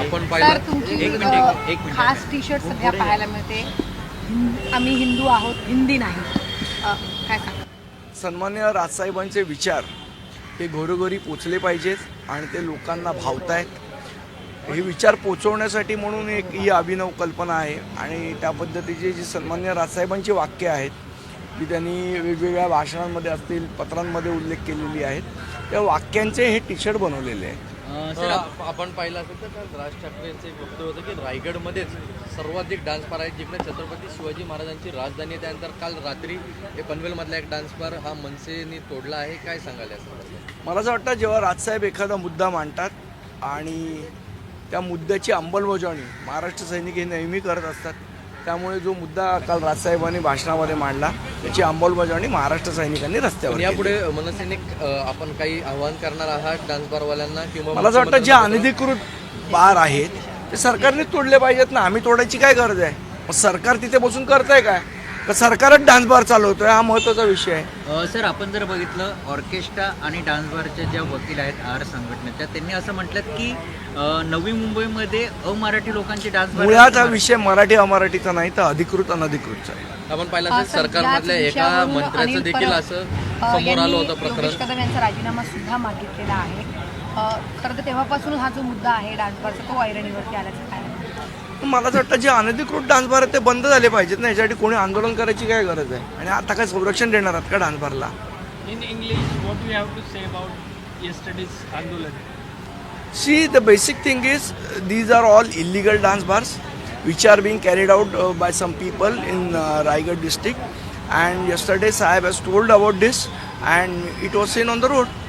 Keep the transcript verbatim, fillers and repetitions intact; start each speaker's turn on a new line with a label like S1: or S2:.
S1: आपण
S2: तर
S1: पाहिलं
S2: तुमची
S1: एक
S2: अ,
S1: मिनिट एक मिनिट
S2: खास टी शर्ट सध्या पाहायला मिळते, हिं- आम्ही हिंदू आहोत, हिंदी नाही. अ, काय सांगा?
S3: सन्माननीय राजसाहेबांचे विचार हे घरोघरी पोचले पाहिजेत आणि ते लोकांना भावत आहेत. हे विचार पोचवण्यासाठी म्हणून एक ही अभिनव कल्पना आहे आणि त्या पद्धतीची जी सन्माननीय राजसाहेबांची वाक्य आहेत जी त्यांनी वेगवेगळ्या भाषणांमध्ये असतील पत्रांमध्ये उल्लेख केलेली आहेत त्या वाक्यांचे हे टी शर्ट बनवलेले आहेत.
S1: सर आप- आपण पाहिलं असेल तर काल राज ठाकरेंचं एक वक्तव्य होतं की रायगडमध्येच सर्वाधिक डान्स बार आहेत जिकडे छत्रपती शिवाजी महाराजांची राजधानी आहे. त्यानंतर काल रात्री हे पनवेलमधला एक डान्स बार हा मनसेने तोडला आहे. काय सांगाल याचं?
S3: मला असं वाटतं जेव्हा राजसाहेब एखादा मुद्दा मांडतात आणि त्या मुद्द्याची अंमलबजावणी महाराष्ट्र सैनिक हे नेहमी करत असतात, त्यामुळे जो मुद्दा काल राजसाहेबांनी भाषणामध्ये मांडला त्याची अंमलबजावणी महाराष्ट्र सैनिकांनी रस्त्यावर
S1: पण
S3: केली.
S1: यापुढे मनसेने अ, आपण काही आव्हान करणार आहात डान्स बारवाल्यांना किंवा
S3: मला असं वाटतं जे अनधिकृत बार आहेत ते सरकारने तोडले पाहिजेत ना. आम्ही तोडायची काय गरज आहे? मग सरकार तिथे बसून करतंय काय? तर सरकारच डान्स बार चालवतोय, हा महत्त्वाचा विषय आहे.
S4: अ, सर आपण जर बघितलं ऑर्केस्ट्रा आणि डान्स बारच्या ज्या वकील आहेत आर संघटनेच्या, त्यांनी असं म्हटलं की अ, नवी मुंबईमध्ये अमराठी लोकांचे डान्स बार
S3: मुळात हा विषय मराठी अमराठीचा नाही तर अधिकृत अनधिकृतचा आहे.
S1: आपण पाहिलं
S2: अ,
S1: असेल
S2: सर,
S1: सरकारमधल्या
S2: याच
S1: एका
S2: विषयावरून
S1: मंत्र्याचं
S2: अनिल
S1: देखील
S2: परब,
S1: असं
S2: अ,
S1: समोर आलं
S2: यांनी
S1: होतं प्रकरण.
S2: योगेश कदम यांचा राजीनामा सुद्धा मागितलेला आहे. अ, खरं तर तेव्हापासून हा जो मुद्दा आहे डान्स बारचा तो ऐरणीवरती आल्याचं काय?
S3: पण मला असं वाटतं जे अनधिकृत डान्स बार आहेत ते बंद झाले पाहिजेत ना. याच्यासाठी कोणी आंदोलन करायची काय गरज आहे? आणि आता काय संरक्षण देणार आहात का डान्स बारला?
S5: In English, what do you have to say about yesterday's Andolan?
S3: See, the basic thing is uh, these are all illegal dance bars which are being carried out uh, by some people in uh, Raigad district, and yesterday Sahib has told about this and it was seen on the road.